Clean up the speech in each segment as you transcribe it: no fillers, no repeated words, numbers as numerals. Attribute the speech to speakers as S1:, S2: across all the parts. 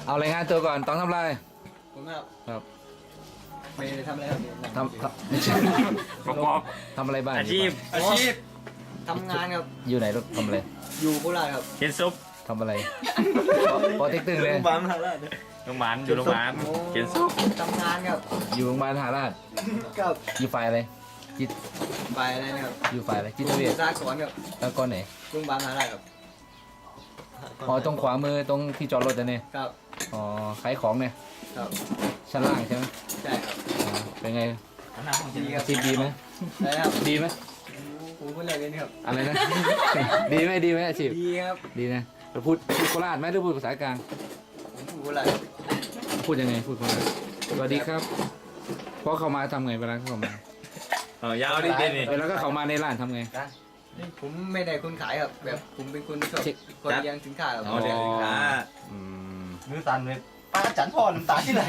S1: เอารายงานตัวก่อนต้องทำอะไร
S2: ผมครับ
S1: ครับ
S2: ไม่ได้ทำอะไรครับ
S1: ไม่ใช่
S3: ประกอบ
S1: ทำอะไรบ้าง
S3: อาชีพ
S2: ทำงานครับ
S1: อยู่ไหนลูกทำอะไร
S2: อยู่โคราชครับ
S3: เขียนซุป
S1: ทำอะไรพอเทคตึงเลย
S2: โรงพยาบาลมหาราช
S3: โรงพยาบาลอยู่โรงพยาบาลเขียนซุป
S2: ทำงานครับ
S1: อยู่โรงพยาบาลมหาราช
S2: ครับ
S1: อยู่ฝ่ายอะไรจิต
S2: ไปอะไรนะครับ
S1: อยู่ฝ่ายอะไรจิตเวช
S2: สากลครับ
S1: แล้วก็ไหน
S2: โรงพยาบาลมหาราชครับ
S1: อ๋อตรงขวามือตรงที่จอดรถเนี่ย
S2: ครับ
S1: อ๋อขายของเนี่ย
S2: ครับ
S1: ชั้นล่างใช่ไหม
S2: ใช่ครับ
S1: เป็นไง
S2: ดีครับ
S1: ดีไหม
S2: ใช่ครับ
S1: ดีไหม
S2: ผมพูดอะไรกันครับ
S1: อะไรนะดีไหมอาชีพ
S2: ดีครับ
S1: ดีนะพูดโคราชไหมหรือพูดภาษากลาง
S2: ผมพูดโคราช
S1: พูดยังไงพูดโคราชสวัสดีครับเพราะเขามาทำไงเวลาเขามาย
S3: าวดินี่
S1: เวลาก็เขามาในร้านทำไง
S2: ผมไม่ได้คนขายครับแบบผมเป็นคนชอบคนเลี้ยงสินค้าครับ
S3: เลี้ยงสินค้า
S2: มือสั่นเลยป้าจันพ่อน้ำตาที่ไหน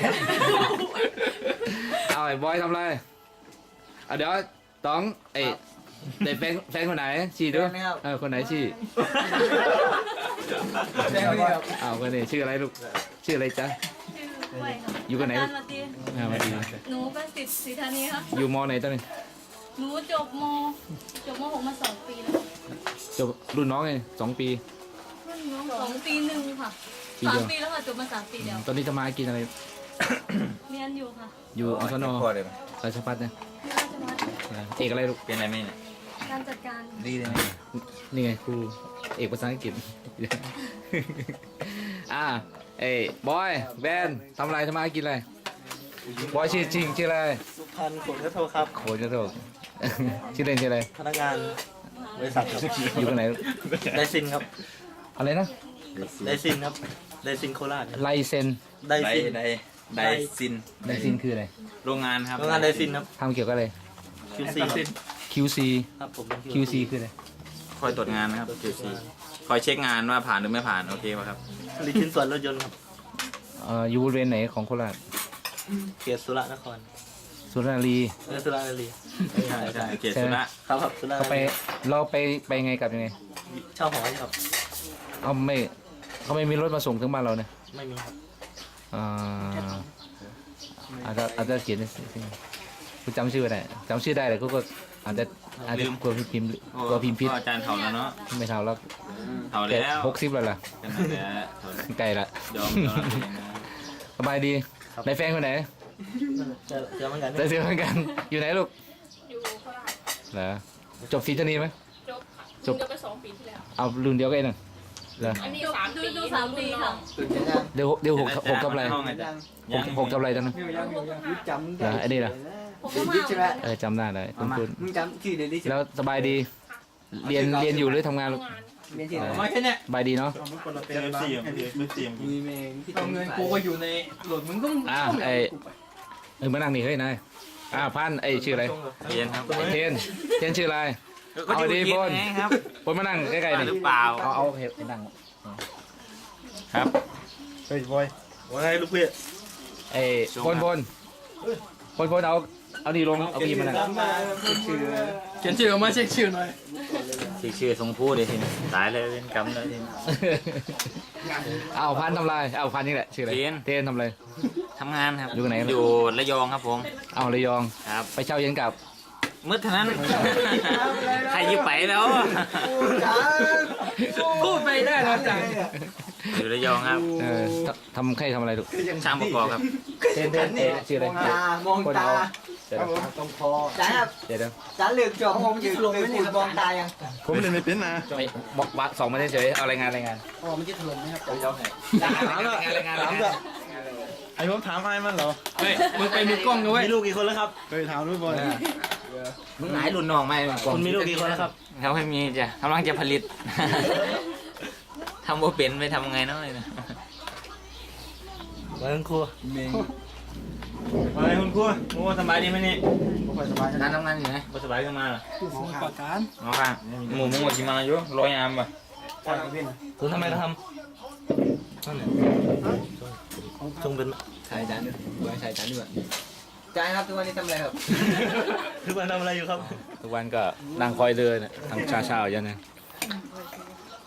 S1: เอาไอ้บอยทำไรเดี๋ยวต้องไอ้เด็กแฟนคนไหนชี้ด้วยคนไหนชี้เอาคนนี้ชื่ออะไรลูกชื่ออะไรจ๊ะอยู่กันไหนมาดี
S4: หนูเป็นศิษย์ศรีธานีครับ
S1: อยู่มอไหนตอนนี้
S4: หนูจบม.6 มา2 ปีแล้ว
S1: จบรุ่นน้องไง2 ปี
S4: รุ่นน้อง2 ปีหนึ่งค่ะ3 ปีแล้วค่ะจบมา3 ปีแล้ว
S1: ตอนนี้จะมากินอะไร
S4: เรียนอยู่ค่ะ
S1: อยู่อสน.ราชภัฏเนี่ยเอกอะไรลูก
S3: เป็นอะไรไม่เนี่ย
S4: การจัดการ
S1: ดีเลยนี่ไงครูเอกภาษาอังกฤษเอ้บอยแบนทำอะไรทำไมกินอะไรบอยชื่อจริงชื่ออะไร
S2: สุพรรณโขนกระโทครับ
S1: โขนกระโทชื่อเล่นชื่ออะไร
S2: พนักงานบริษัท
S1: อยู่ตรงไหน
S2: ไดซินครับ
S1: อะไรนะ
S2: ไดซินครับไดซินโคราช
S1: ไลเซน
S3: ไดซิน
S1: คืออะไร
S3: โรงงานครับ
S2: โรงงานไดซินครับ
S1: ทำเกี่ยวกับอะไร QC
S2: ครับผม
S1: QC คืออะไร
S3: คอยตรวจงานนะครับ QC คอยเช็คงานว่าผ่านหรือไม่ผ่านโอเคป่ะครับ
S2: ผลิตชิ้นส่วนรถยนต์ครับ
S1: อยู่บริเวณไหนของโคราช
S2: เขตสุรนคร
S1: สุรารี
S2: สุรารี
S3: ใช่เขตสุรา
S2: ครับสุรา
S1: เราไปไงกับยังไง
S2: เช่าหอครับ
S1: เขาไม่มีรถมาส่งถึงบ้านเราเนี่ย
S2: ไม่มีครับ
S1: อาจจะเขียนกูจำชื่อได้เลยก็อาจจะกลัวพิมพ์ผิด
S3: อาจารย์เท่าแล้วเนาะ
S1: ไม่เท่าแล้ว
S3: เท่าแล้ว
S1: 60แล้วล่ะไกลละ
S3: ยอม
S1: สบายดีในแฟนคนไหน
S2: เจอเหมือนกัน
S1: อยู่ไหนลูก
S4: อยู่โคราช
S1: เหรอจบศรีธานีไหม
S4: จบไป2 ปีที่แล้ว
S1: เอารุ่นเดียวกันนั่นเหรอ
S4: อันนี้3 ปีค่ะ
S1: เดี๋ยว6กับอะไร6กับอะไรตอนนั้นเหรอไอ้นี่ล่ะจำได้เลยคุณแล้วสบายดีเรียนอยู่หรือทำงานลูก
S2: มาแค่นี้
S1: สบายดีเนาะ
S2: เอาเงินกูก็อยู่ในหลดมึงก็
S1: มานั่งนี่เฮ้ยนายพันชื่ออะไร
S3: เทียนครับ
S1: เทียนชื่ออะไรเอาดีปนมานั่งใกล้ๆนี่
S3: หรือเปล่า
S1: เอาเห็บนั่ง
S3: ครับ
S2: เฮ้ยบอยว่าไงลูกพี่
S1: พลเอาดีลงเอาพีมาหน่อย
S2: เขียนชื่อมาเช็คชื่อหน่อย
S3: ชื่อทรงพูดเลยทีนี้ตายเลยเป็นกรรมเลยทีนี้
S1: พันทำไรพันนี่แหละชื่ออะไรเทนทำไร
S3: ทำงานครับ
S1: อยู่ไหน
S3: อยู่ระยองครับผม
S1: ระยอง
S3: ครับ
S1: ไปเช่าเย็นกับ
S3: มืดเท่านั้นใครยิบไปแล้ว
S2: พูดไปได้แล้วจัง
S3: อยู่ระยองครับ
S1: ทำอะไรลูก
S3: ช่างประกอบครับ
S1: เทนชื่ออะไร
S2: มองตาตรงคอจ้าครับจ้าเลือกจบผมจะลงไม่มองตายัง
S1: ผมเล่นไม่เป็นนะบอกวัด2มาเฉยเอารายงาน
S2: มันจะถล่มไหมครับ
S1: รายงาน
S2: ไอ้ผมถามไอ้มันเหรอ
S3: เฮ้ยมึงไปมีกล้องกันเว้ย
S2: มีลูกกี่คนแล้วครับ
S1: ไปถามด้วยบอล
S3: มึงหายหลุดน้องไหม
S2: คุณมีลูกกี่คนแล้วครับ
S3: เขาไม่มีจ้ะกำลังจะผลิตทำโบเป็นไปทำไงน้อยนะ
S2: มาคุณครู
S3: มาคุณครูมึงสบายดีไหมนี่
S2: สบาย
S3: การทำงานอยู่ไหนสบายขึ้นมาเหรอ
S2: ปากการ
S3: อ๋อค่ะหมูมึงมาอยู่100 ยามป่ะ
S2: คุณทำไมทำจงเป็น
S1: ชายจานด้วยชายจานด้วย
S2: ใจครับทุกวันนี้ทำอะไรครับทุกวันทำอะไรอยู่ครับ
S1: ทุกวันก็นั่งคอยเรือเนี่ยทำเช้ายันเนี่ย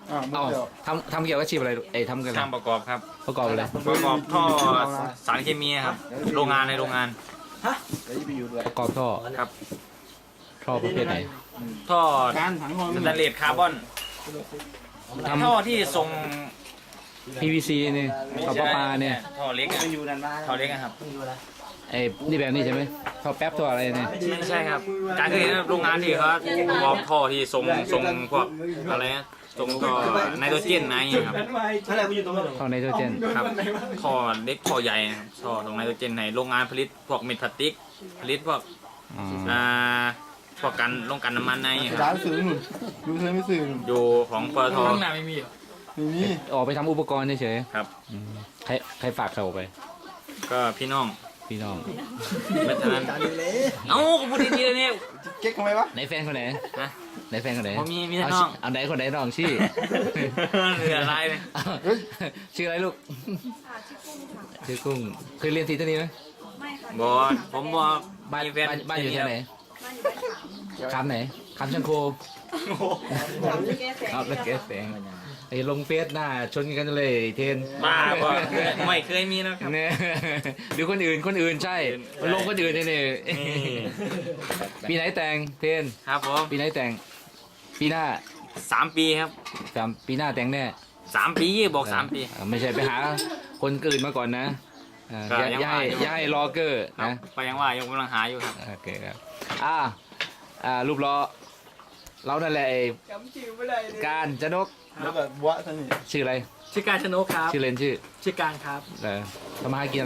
S1: เอาทำเกี่ยวกับอาชีพอะไรทำกัน
S3: ช่างประกอบครับ
S1: ประกอบอะไร
S3: ประกอบท่อสารเคมีครับโรงงานในโรงงาน
S1: ประกอบท่อ
S3: ครับ
S1: ท่อประเภทไหน
S3: ท่อ
S2: การถังความ
S3: สแตนเลสคาร์บอนท่อที่ทรง
S1: PVC นี่ท่อประปาเนี่ย
S3: ท่อเล็กอะ
S2: อยู่ด้านบ้าน
S3: ท่อเล็กอะครับ
S1: นี่แบบนี้ใช่ไหมท่อแป๊บท่ออะไรเนี่ย
S3: ไม่ใช่ครับ การเคยเห็นโรงงานที่เขาประกอบท่อที่ทรงพวกอะไรนะทรงท่อไนโตรเจนอะไรอย่างเงี้ยครับ
S2: อะไรกูอยู่ตรงนั้น
S1: ท่อไนโตรเจน
S3: ครับท่อเล็กท่อใหญ่นะครับท่อตรงไนโตรเจนในโรงงานผลิตพวกเม็ดพลาสติกผลิตพวก
S1: อ๋อ
S3: พวกกันลงกันน้ำมันในค
S2: ร้า
S3: รับ
S2: นสื่อหนุนดูเคยไม่สื่อหนุน
S3: อยู่ของปตท
S2: ไม่มี
S1: ออกไปทำอุปกรณ์เฉย
S3: ครับ
S1: ๆใครฝากเขาไป
S3: ก็พี่น้อง
S1: พี่น้อง
S3: ไม่ทันเอ้าพูดดีๆเลยเนี่ย
S2: เก๊กทำไมวะ
S1: ไหนแฟนคนไหน
S3: นะ
S1: ไหนแฟนคนไหน
S3: ผมมีแต่น้อง
S1: เอาไหนคนไหนน้องชื่อ
S3: เหลืออะไรเนี่ย
S1: ชื่ออะไรลูก
S4: ค่ะชื่อกุ้งค่ะ
S1: ชื่อกุ้งเคยเรียนทีเท่านี้ไหม
S4: ไม่ค่ะ
S3: บอสผมบอก
S1: บ้าน
S3: มีแฟน
S1: บ้านอยู่ที่ไหน
S4: บ้านอยู่บ้านขาม
S1: คำไหนคำชังโค
S4: ขามจะแก้แสง
S1: ครับแล้วแกแสงไอ้ลงเฟซหน้าชนกันเลยเทน
S3: บ้าบอไม่เคยมีนะครับ
S1: เนี่ยหรือคนอื่นใช่มันลงคนอื่นเนี่ย
S3: นี่
S1: ปีไหนแต่งเทน
S3: ครับผม
S1: ปีไหนแต่ง ปีหน้า
S3: 3 ปีครับ
S1: ปีหน้าแต่งแน่
S3: 3 ปีบอก 3 ปี
S1: ไม่ใช่ไปหาคนอื่นมาก่อนนะ
S3: ก็ยัง
S1: อย่า
S3: ว่า
S1: ให้รอเกอร์
S3: ครับ
S1: นะ
S3: ก็ยังว่ายังกำลังหาอยู่ครับ
S1: โอเคครับรูปล้อเรานั่นแหละไอ้
S2: จำชื่อไม่ได้เลย
S1: การจนก
S2: แล้วแบบวะท่านนี่
S1: ชื่ออะไร
S5: ชื่อการชนกครับ
S1: ชื่อเล่นชื่อ
S5: ชื่อการครับ
S1: ทำมาหากินอะไร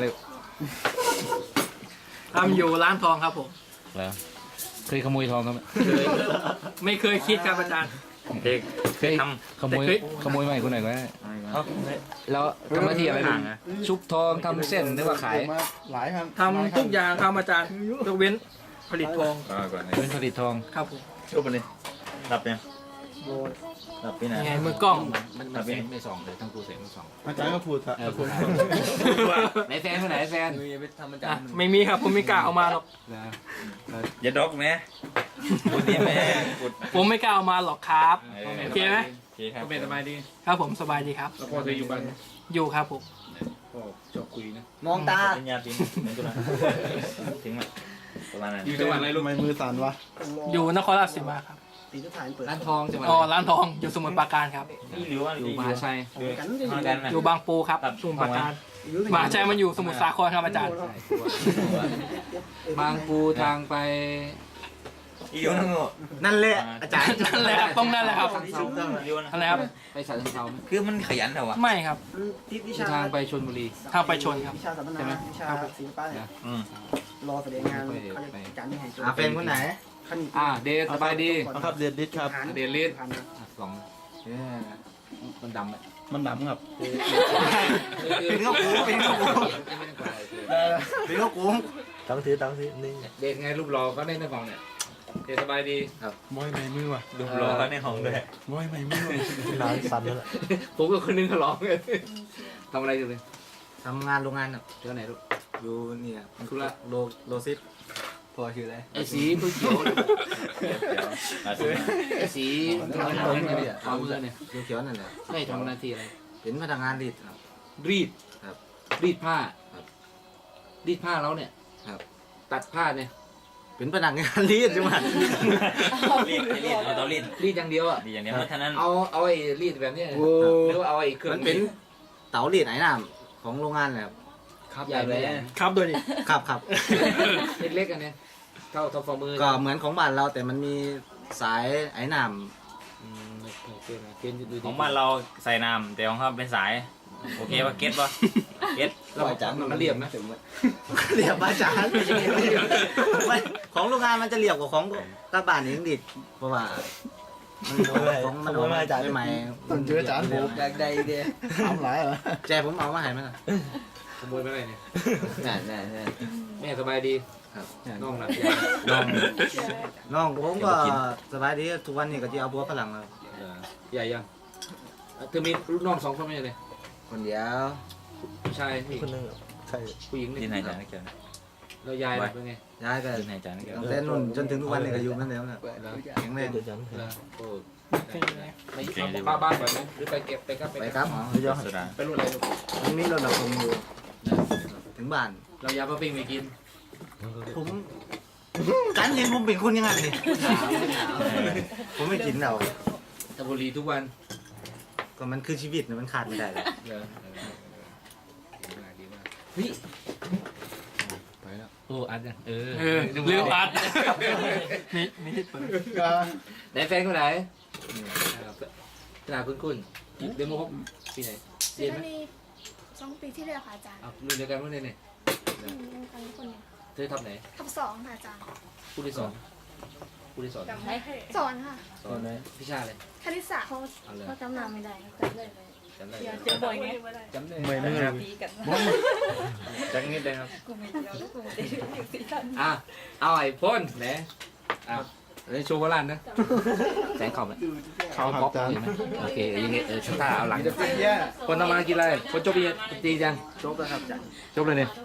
S5: ทำอยู่ร้านทองครับผม
S1: เหรอเคยขโมยทองไหม
S5: ไม่เคยคิดครับอาจารย์
S3: เด็ก
S1: เคย
S3: ท
S1: ขโมย
S5: แต่เคย
S1: ขโมยใหม่คนไหนก็ได้
S3: ำ
S1: แล้วทำหน้าที่อะไรลูกชุบทองทำเส้นหรือว่าขาย
S2: มาหลายครั้ง
S5: ทำทุกอย่างครับอาจารย์ยกเว้นผลิตทอง
S3: ก่อนเลย
S1: เป็นผลิตทอง
S5: ครับผม
S3: ชุบไปเลยรับเนี่ยรับพี่นะ
S5: ยังไงมือกล้อง
S1: มันไม่ส่องเลยทั้งกูเสียงไม่ส่อง
S2: อาจารย์ก็พูดอะ
S1: ไหนแฟนคนไหนแฟน
S5: อ่ะไม่มีครับผมไม่กล้าเอามาหรอก
S3: อย่าดอกแม่พูดดีแม่พูด
S5: ผมไม่กล้าเอามาหรอกครับโอเคไหม
S3: โอเคครับ
S1: เป็นสบายดี
S5: ครับผมสบายดีครับ
S1: แล้วพ่อเคยอยู่บ้าน
S5: อยู่ครับผม
S1: พ่อชอบคุยนะ
S2: มองตา
S3: เป็นยาทิ้งเป็นตัวนั้นทิ้งมาประมาณนั้น
S1: อยู่จังหวัดอะไรลูก
S2: ทำไมมือสั่นวะ
S5: อยู่นครราชสีมาครับ
S1: ร้านทองจังหวัด
S5: อ๋อ
S1: อะไร
S5: ร้านทองอยู่สมุทรปราการครับ
S3: นี่หรือว่า
S1: อยู่มหาชัย
S3: มากันนะ
S5: อยู่บางปูครับสมุทรปราการมหาชัยมันอยู่สมุทรสาครครับอาจารย์
S1: บางปูทางไป
S3: อีโยนั่ง
S2: นั่นแหละอาจารย์
S5: นั่นแหละครับต้องนั่นแหละครับ
S3: อีโยนะ
S5: นั่นแหละครับ
S1: ไปฉะเชิงเทราไหม
S3: คือมันขยันเหรอวะ
S5: ไม่ครับ
S1: ทางไปชลบุรี
S5: ทางไปชนครับ
S6: วิชาสัมมนาวิชาศิลปะเนี่ย
S3: อืม
S6: รอแสดงงานเขาจะจัดให้
S2: อาเป็นคนไหน
S6: ขนิ
S1: เดทสบายดี
S2: ครับเดดดิสครับ
S1: เดลิสสองมันดำไหม
S2: มันดำครับ
S1: เป็นข้าวกูเป็นข้าวกูเป็นข้าวกู
S2: ตั้งซื้อนี่
S1: เดทไงรูปรอก็ได้ในฝั่งเนี่ยเดทสบายดีครับ
S2: มอยไม่มือว่ะ
S3: ดูรอเขาในห้องด้วย
S2: มอยไม่มือร้านสั่นแล้ว
S1: ผมกับคนนึงเขาร้องเลยทำอะไรอยู่เลย
S2: ทำงานโรงงานอ่ะ
S1: เจ้าไหนลูก
S2: อยู่เนี่ย
S1: ธุระ
S2: โลซิสพอชื่ออะไร
S1: ไอ้สีผู้เขียวไอ้สีทำอะไรเนี่ยทำอะไรเนี่ย
S2: เขียวนั่นแหละ
S1: ไม่ทำหน้าที่อะไร
S2: เป็นพนักงานรีดครับ
S1: รีด
S2: ครับ
S1: รีดผ้า
S2: ครับ
S1: รีดผ้าแล้วเนี่ย
S2: ครับ
S1: ตัดผ้าเนี่ย
S2: เป็นพนักงานรีดใช่ไหม
S3: รีดเอาตัวรีด
S1: รีดอย่างเดียวอ่ะ
S3: ดีอย่างเดียวเพราะฉะนั้น
S1: เอาไอ้รีดแบบเนี้ยหรือว่าเอาไอ้เครื่อง
S2: มันเป็นเต๋ารีดไหนน้ำของโรงงานแหละ
S1: ครับใหญ่เลย
S5: ครับโดยดิ
S2: ครับ
S1: เล็กๆอันเนี้ยเท่าฝ่ามือ
S2: ก็เหมือนของบ้านเราแต่มันมีสายไอ้น้
S1: โอเคนะเกณฑ์ดูดี
S3: ของบ้านเราใส่น้ำแต่ของเขาเป็นสายโอเคป่ะเก็ตป่ะเก็ต
S1: เราจับมันเรียบนะ
S2: ำเรียบอาจารย์ไม่ของโรงงานมันจะเรียบกว่าของกระบานเองดิเพราะว่าของมันออกมาจากใหม่ๆ
S6: ต้องเจออาจารย์ผมอยากได้เดียทำหลายเหรอ
S2: แจผมเอามาให้มัน
S1: ขโมยไปอะไรเนี่ย
S2: แน่
S1: แม่สบายดี
S2: ครับ
S1: น้องหลับ
S2: น้องผมก็สบายดีทุกวันนี้ก็จะเอาบัวฝรั่งเลย
S1: ใหญ่ยังเธอมีลูกน้อง2 คนไหมเลย
S2: คนเดียว
S1: ผู้ชายคนนึงผู้หญิง
S3: ดินหายใจนะเกี่ยว
S1: แล้วยายเป็นไง
S2: ย้ายก็
S3: ดินหายใจนะเกี่ยว
S2: ตั้งแต่นุ่นจนถึงทุกวันนี้ก็อยู่นั่นแล้วนะแข็งแรง
S1: โอ้ไม่บ้าบ้านแบบนี้หรือไปเก็บไปครับ
S2: ไปครับอ๋อเดี๋ยว
S1: ไปรุ่นอะไรลูก
S2: มันมีรถดับเพลิงอยู่ถึงบ้าน
S1: เรายาปลาปิ้งไปกิน
S2: ผมกันเห็นผมเป็นคนยังไงนี่ผมไม่กินเรา
S1: ตะบุรีทุกวัน
S2: ก็มันคือชีวิตนะมันขาดไม่ได้เลย
S1: เหรอดีมากเฮ้ยไปแล้วโอ้อัดยัง
S5: ลืมอัดนี่ที่เปิด
S1: ไหนแฟนคนไหนขนาดคุ้นเดโมเขาปีไหน
S7: เซนนี2 ปีที่แล้วค่ะอาจารย์
S1: รุ่นเดียวกันรุ่นนี้เนี่ย
S7: ยังกันทุกคนเนี่ย
S1: เธอทำไหน
S7: ทับ2ค่ะอาจารย์
S1: ผู้ที่สอนผู้ที่สอน
S7: สอนค่ะ
S1: สอนพิชาเลย
S7: คณิตศาสตร์เขา
S1: เอาเลย
S7: เขาจำนำไม่ได้จำเลย
S1: จำได้
S4: เจอบ่อยไง
S1: จำได้
S6: ไม่ครับ
S4: ตีกัน
S1: จังนิดเลยครับ
S4: กูไม่เดียวกูไม่ได้อยู่สีสัน
S1: เอาไอ้พ่นไหนเลยโชว์โบราณนะแสงขอบไหม
S6: เขาครับอาจารย์
S1: โอเคอย่างเงี้ยช่างตาเอาหลัง
S6: จะเป็นแย่
S1: คนทำมากินอะไรคนจบตีจัง
S6: จบแล้วครับอาจารย์
S1: จบเลยเนี่ย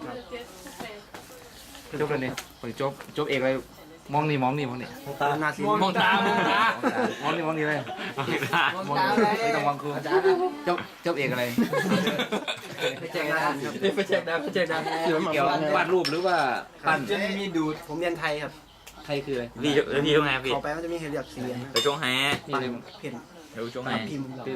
S1: จบเลยเนี่ยคนจบเอกอะไรมองนี่มองนี่
S2: ตามนาซี
S5: มองตามองตาม
S1: องนี่เลยมองไม่ต้องมองครูจบเอกอะไร
S2: ไปแจ้งได้ครับ
S5: ไปแจกดาวไปแจกดาว
S6: เดี๋ยวมา
S1: เกี่ยววาดรูปหรือว่าปั้น
S6: จะมีดูดผมเรียนไทยครับ
S1: ใครคืออะไร
S3: พี่ช่วงไงพี่
S6: เข้าไปมันจะมีให้เลือกสีนะ
S3: ไปช่วงแฮ
S1: นี่เลย
S6: เพ่น
S3: เดี๋ยวช่วงแฮ
S6: พิมพ์
S1: ตื้น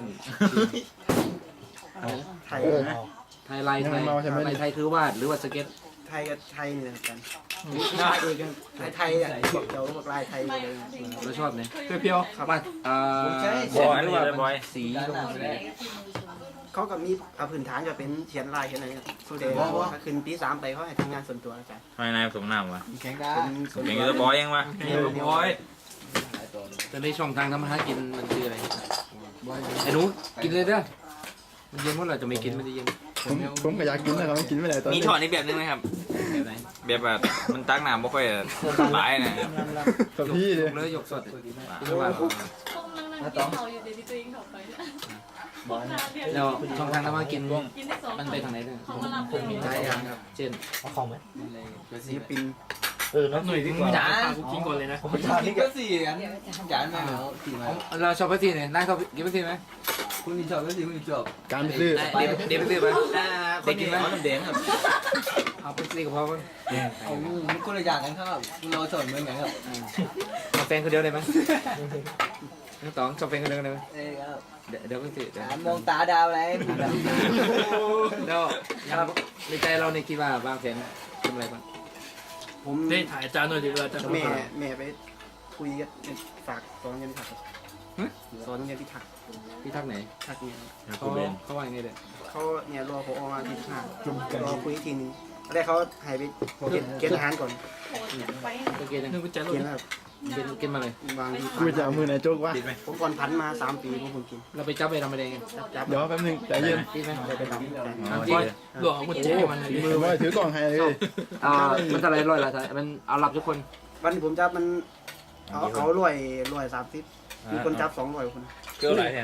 S6: ไทยนะ
S1: ไทยลายไทยคือวาดหรือว่าสเก็ต
S6: ไทยกับไทยนี่นะครับอาจารย์ไทยเองกันไทยอ่ะพวกเจ้าพวกลายไทยเลย
S1: เราชอบไหม
S5: เพียว
S1: วาดบอยหรือว่าสีลง
S6: เขาก็มีพื้นฐานจะเป็นเขียนลายเขียนอะไรสุดเดชถ้าขึ้นปี3ไปเขาให้ทำงานส่วนตัวอาจารย์
S3: ทำไมนายผสมน้ำวะ
S6: แข่งได้ส่วน
S3: เป็น
S6: ตั
S3: ยู
S6: ว
S3: ทูบบอยยังวะ
S5: บอย
S1: แต่ในช่องทางทำมาหากินมันคืออะไรไอ้หนูกินเลยเด้อมันเย็นเมื่อไหร่จะไม่กินมันจะเย็น
S6: ผมก็อยากกินนะครับกินไม่ได้ตอน
S3: มี
S6: นี้
S3: ถอดอีกแบบนึงไหมครับแบบแบบมันตักน้ำไม่ค่อยหลายนะ
S6: กับพี่เลย
S1: เลยยกสด
S4: พวกนั่งกินเขาอยู่เดี๋ยวตัวเองเขาไป
S1: แล้วช่องทางทำมากิน
S4: กินได้2
S1: มันไปทางไหนเนี่ย
S4: เขามารับ
S1: ใช่ครับเช่น
S2: เอาของไหม
S6: ศิลปิน
S5: หน่อยดีกว่ากูกินก่อนเลยนะ
S6: นี่ก็สี่กันจานมาแล้วสี่มา
S1: เราชอบไปที่ไหนนายชอบกินไปที่ไหม
S6: คุณนี่ชอบก็สี่คุณนี่ชอบการไปซื้อ
S1: เด็กไปซื้อไหม
S2: เด็กกินไหมน้ำแดงครับ
S1: เอาไปซื้อกับพ่อมั้ง
S6: เอามันคนละอย่างกันครับเราสอนเหมือนกันครับ
S1: เอาแฟนคนเดียวได้ไหมน้องต๋องชอบแฟนคนเดียวได้ไหม
S6: เอ้ครับ
S1: เดี๋ยวไปซื้อ
S6: มองตาดาวอะไร
S1: แล้วในใจเราในคิดว่าบางแฟนทำอะไรบ้าง
S6: ผม
S5: ได้ถ่ายจานหน่อยดีกว่าจะ
S6: แม่ไปคุยกันฝากสอนเรียนพิทักษ์สอนเรียนพิทักษ์
S1: พี่ทักไหน
S6: ทักเนี่ย
S1: เขาว่ายังไงเด้อ
S6: เขาเนี่ยรอผมออกมาที่ห้ารอคุยทีนึงแล้วเขาหายไปเกณฑ์ทหารก่อน
S4: ไป
S1: โอเคจัง
S5: นึกว่าจะ
S6: เกณฑ์ครับ
S1: กินมาเลย
S6: บางที
S8: กูจะเอามือไหนโจกวะ
S6: ผมก่อนพันมา3 ปีผมกิน
S1: เราไปจับไปทำอะไรกัน
S6: จับ
S8: เดี๋ยวแป๊บนึงใจเย็น
S1: พี่ไหม
S6: ไปทำ
S1: จริง
S5: หลวงมันเจ๊มัน
S8: มือว่าถือกล่องให้เลย
S1: มันอะไรร้อยละมันเอาหลับทุกคน
S6: วันที่ผมจับมันเอารวย30มีคนจับ200คน
S3: เกี่ยวอะไรเนี่ย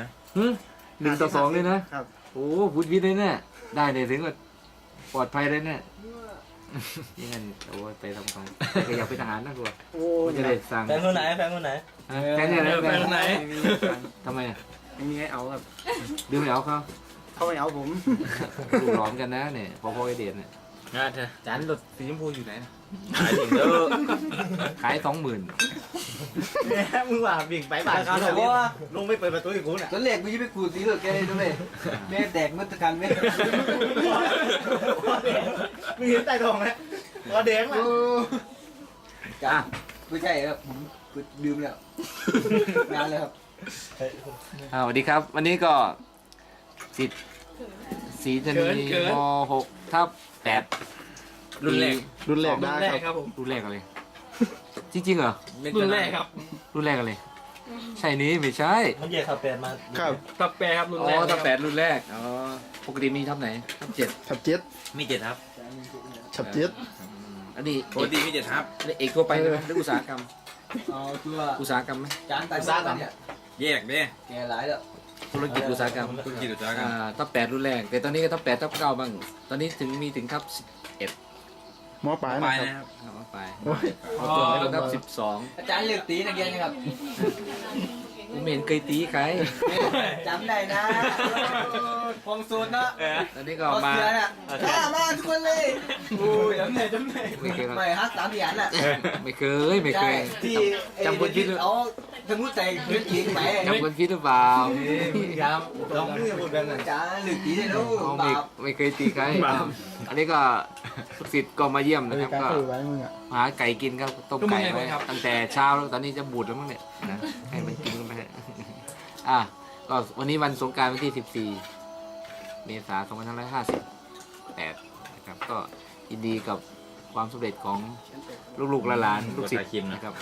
S1: 1-2เลยนะครับ โอ้พูดวิทย์เลยเนี่ยได้เลยถึงว่าปลอดภัยเลยเนี่ยยังไงโอ้ไปทำของอยากเป็นทหารนะกู
S6: โอ้
S1: จะได้สั่ง
S2: แฟนคนไหนแฟนคนไหน
S1: แฟนเนี่ยนะ
S5: ไปทางไหน
S1: ทำไม
S6: ไม่มีให้เอาครับ
S1: ดื้อไม่เอาเขา
S6: เขาไม่เอาผม
S1: ดูร้อนกันนะเนี่ยพอไอเดียเนี่ย
S3: งานเธอ
S1: จานรถสีชมพูอยู่ไหน
S3: ขายถึงเด้อ
S1: ขาย20,000
S2: มึงว่าบิ่งไปบ้านเขาแต่ว่าลงไปเปิดประตูอีกคุณอ่ะ
S6: ตอนแรกกูจะไปกูสีเหลือแกเลยด้วยแม่แตกมัตกันแม่
S2: มึงเห็นใต้ท้องไหมตัวแดงอ่ะ
S6: จ้าไม่ใช่ครับผมดื่มแล้วนานแล้วครับ
S1: สวัสดีครับ วันนี้ก็สิทธิ์ศรีจันทรีม6/8
S3: รุ่นแรก
S8: รุ่นแรก
S5: รุ่
S8: ได้
S5: นแรก
S8: ครับ
S5: ครับผม
S1: รุ่นแรกอะไรจริงๆเหรอ
S5: รุ่นแรกครับ
S1: รุ่นแรกอะไรใช่นี้ไม่ใช่
S2: มันเหยียดขับแปดมา
S8: ครับ
S5: ตับแปรครับรุ่น
S1: อ๋
S5: แร
S1: อก ตั้ง8รุ่นแรกอ๋อปกติมีทับไหนทับ7
S8: ฉับเจ็ด
S3: มีเจ็ดครับ
S8: ฉับเจ็ด
S1: อันนี้
S3: ปกติมีเจ็ดครับ
S1: เอกทั่วไปไหมหรืออุตสาหกรรม
S6: เอาตัว
S1: อุตสาหกรรมไหม
S6: จานตายซ่ากันเนี่ย
S3: แยกเด้
S6: แกหลายแล้ว
S1: ธุรกิจอุตสาหกรรม
S3: ธุรกิจอุตสาหกรรม
S1: ทับ8รุ่นแรกแต่ตอนนี้ก็ทับ8ทับ9บ้างตอนนี้มีถึงทับ
S8: หมอปลาย
S3: ไป
S8: นะครับ
S3: นะครับ
S1: 11ไป
S8: โอ้ย
S1: เอาตัวไปทับ12
S6: อาจารย์เลือกตีนักเรียนครับ
S1: ไม่เห็นเคยตีใคร
S2: จำได้นะพงสูตรเนาะ
S1: ตอนนี้ก็
S2: เอา
S1: มา
S2: เสือน่ะมาทุกคนเลยโอ้ยจำได้
S1: ไม่เคย
S2: ไม่ฮัก3 เหรียญน่ะ
S1: ไม่เคยไม่เค
S2: ใช่
S1: ย
S2: ที่
S1: จำคนผิด
S2: เอาสมุดใจพื้นจีนไป
S1: จำคนผิดหรือเปล่า
S2: ครับลองมือพูดแบบนั้นจ้าหรือตีได้รู้
S1: เอา
S2: บาป
S1: ไม่เคยตีใครอันนี้ก็ลูกศิษย์ก็มาเยี่ยม
S8: นา
S1: นะค
S8: ฬิ
S1: รับ
S8: กา
S1: ก็
S8: คือไว้มึงอ่ะ
S1: หาไก่กินครับต้มไก่ไว้ตั้งแต่เช้าแล้วตอนนี้จะบูดแล้วมั้งเนี่ยนะให้มันกินกันไปก็วันนี้วันสงกรานต์วันที่ 14 เมษายน 2558 นะครับก็ยินดีกับความสำเร็จของลูกๆหลานๆลูกศิษย์นะครับ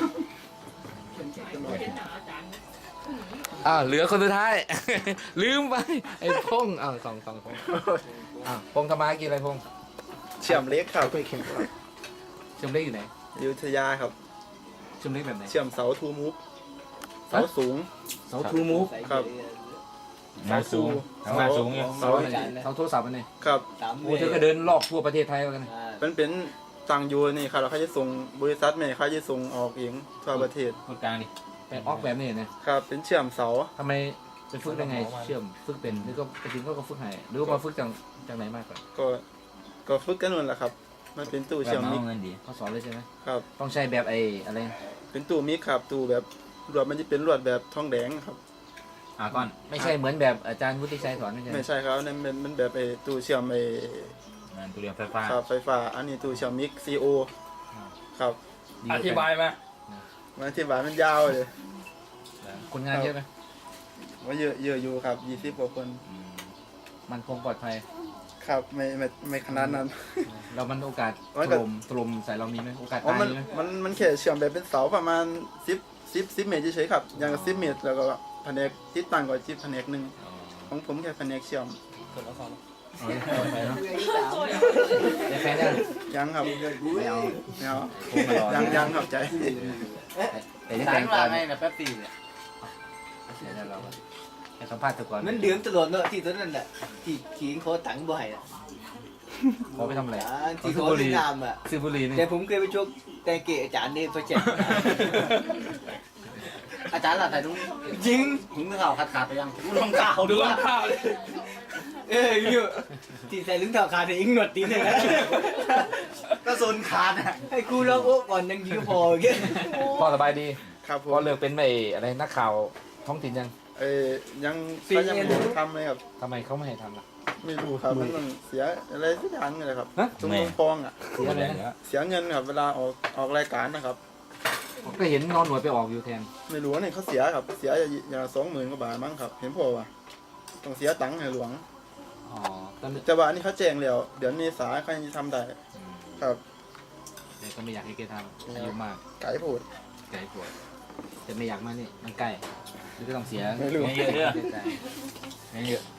S1: เหลือคนสุดท้าย ลืมไปไอ้พงสองพงพงทำมากินอะไรพง
S8: เชื่อมเล็กครับ
S1: เชื่อมเล็กอยู่ไหน
S8: อยุธยาครับ
S1: เชื่อมเล็กแบบไหน
S8: เชื่อมเสาทูมูฟเสาสูง
S1: เสาทูมูฟ
S8: ครับ
S3: มาสูงมาสูงเนี่ย
S1: เสาโทรศัพท์อันนี้
S8: ครับ
S1: โอ้เธอก็เดินรอบทั่วประเทศไทยแล้วกัน
S8: เป็นต่างอยู่นี่ครับเราเขาจะส่งบริษัทแม่เขาจะส่งออกเองทั่วประเทศ
S3: คนกลางดิ
S1: ไปออกแบบนี้นะครับ
S8: เป็นเชื่อมเสา
S1: ทำไมไปฝึกได้ไงเชื่อมฝึกเป็นหรือก็ไปถึงก็ฝึกให้หรือว่าฝึกจากไหนมากกว่า
S8: ก็ฝึกกันนู่นแหละครับ มันเป็นตู้เชื่อมมิก
S3: เงินดี
S1: เขาสอนเลยใช่ไหม
S8: ครับ
S1: ต้องใช้แบบอะไร
S8: เป็นตู้มิกครับตู้แบบลวดมันจะเป็นลวดแบบทองแดงครับ
S3: ก่อน
S1: ไม่ใช่เหมือนแบบอาจารย์วุฒิชัยสอนไม่ใช่
S8: ไม่ใช่ครับนั่นมันแบบตู้เชื่อม
S3: ตัวเรียนไฟฟ้า
S8: ครับไฟฟ้าอันนี้ตู้เชื่อมมิก CO ครับ
S5: อธิบายมา
S8: มันอธิบายมันยาวเลย
S1: คนงานเยอะไหม
S8: ว่าเยอะอยู่ครับ20กว่าคน
S1: มันคงปลอดภัย
S8: ครับไม่ขนาดนั้น
S1: เรามันโอกาส
S8: มัน
S1: ถ
S8: ก็
S1: ล่มใส่เรามีไหมโอกาส
S8: อ๋อ
S1: ตายมีไหม
S8: มันแค่เชื่อมแบบเป็นเสาประมาณ10เมตรเฉยๆครับอย่างกับ10 เมตรแล้วก็แผนกติดตั้งก็10แผนกหนึงของผมแค่แผนกเชื่อม
S1: เอาเลยเอาไปเนาะได้แฟนยัง
S8: ยังครับ
S1: ไม่เอา
S8: ไม่เอา
S1: ผมมารอ
S8: ยังครับใจ
S1: แต่ยัง
S2: สา
S1: แต่
S2: รง
S1: ก่
S2: ว่า
S1: อน
S2: ไงนะแป๊บตีเนี่ย
S1: เดี๋ยวเราให้สัมภาษณ์ตัวก่อน
S2: มันเดือดตลอดเนอะที่ตัวนั้นแหละที่ขิงโคตังบ่อยอะ
S1: ขอไปทำอะไร
S2: ที่โคที่นามอ่ะ
S1: ซื้อบุหรี่นี่
S2: แต่ผมเคยไปชกแต่เกะอาจารย์เนี่ยเขาแจกอาจารย์ล่ะถ่ายรูปจริงผมก็ข่าวขาดไปยังดูรองเท้า
S5: ดูรองเท้าเลย
S2: อยู่ที่ใส่รองเท้าขาดแต่อิงหนวดตีนเลยนะก็โซนขาดอ่ะให้กูลองโอ้ก่อนยังยิงพอแค่
S1: พ่อสบายดี
S8: ครับผม
S1: พ่อเลิกเป็นอะไรนักข่าวท้องถิ่นยัง
S8: ยังเขายังไม่ได้ทำเลยครับ
S1: ทำไมเขาไม่ให้ทำล่ะ
S8: ไม่รู้ครับมันต้องเสียอะไรสักอย่างเลยครับ
S1: ฮะ
S8: ตรงฟองอ่ะ
S1: เสียอะไรนะ
S8: เสียเงินครับเวลาออกรายการนะครับ
S1: ก็เห็นนอนหน่วยไปออกอยู่แทน
S8: ไม่รู้ว่าเนี่ยเขาเสียครับเสียอย่าง20,000 กว่าบาทมั้งครับเห็นพอว่ะต้องเสียตังค์ให้หลวง
S1: อ๋อตอนนี้
S8: แต่ว่าอันนี้เขาแจ้งแล้วเดี๋ยวเมษาเขายังจะทำได้ครับ
S1: แต่ก็ไม่อยากให้แกทำอายุมาก
S8: ไก่พูด
S1: ไกลปวดแต่ไม่อยากมานี่มันใกล้หรือก็ต้องเสีย
S8: ไม่รู้
S3: เยอะเด้อ
S1: ใจ
S3: เยอะ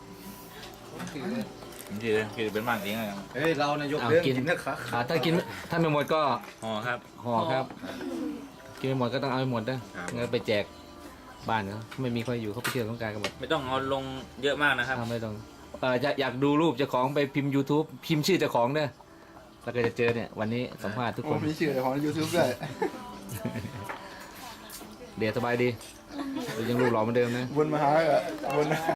S3: คือเป็นบ้านเองอะไร
S2: เฮ้ยเรานายกเรื่องกินนะครับ
S1: ถ้าไม่หมดก็
S3: อ๋อครับ
S1: ห่อครับ กินไม่หมดก็ต้องเอาไปหมดนะงั้นไปแจกบ้านเขาไม่มีใครอยู่เขาไปเที่ยวสงกรานต์กันหมด
S3: ไม่ต้องเอาลงเยอะมากนะครับ
S1: ไม่ต้องอยากดูรูปเจ้าของไปพิมพ์ YouTube พิมพ์ชื่อเจ้าของเนี่ยแล้วก็จะเจอเนี่ยวันนี้สัมภาษณ์ทุก
S8: ผ
S1: ค
S8: ม
S1: น
S8: มีชื่อของ YouTube ด้วย
S1: เดี๋ยวสบายดียังรูปหล่อเหมือนเดิมนะ
S8: วนมาหาอ่ะวน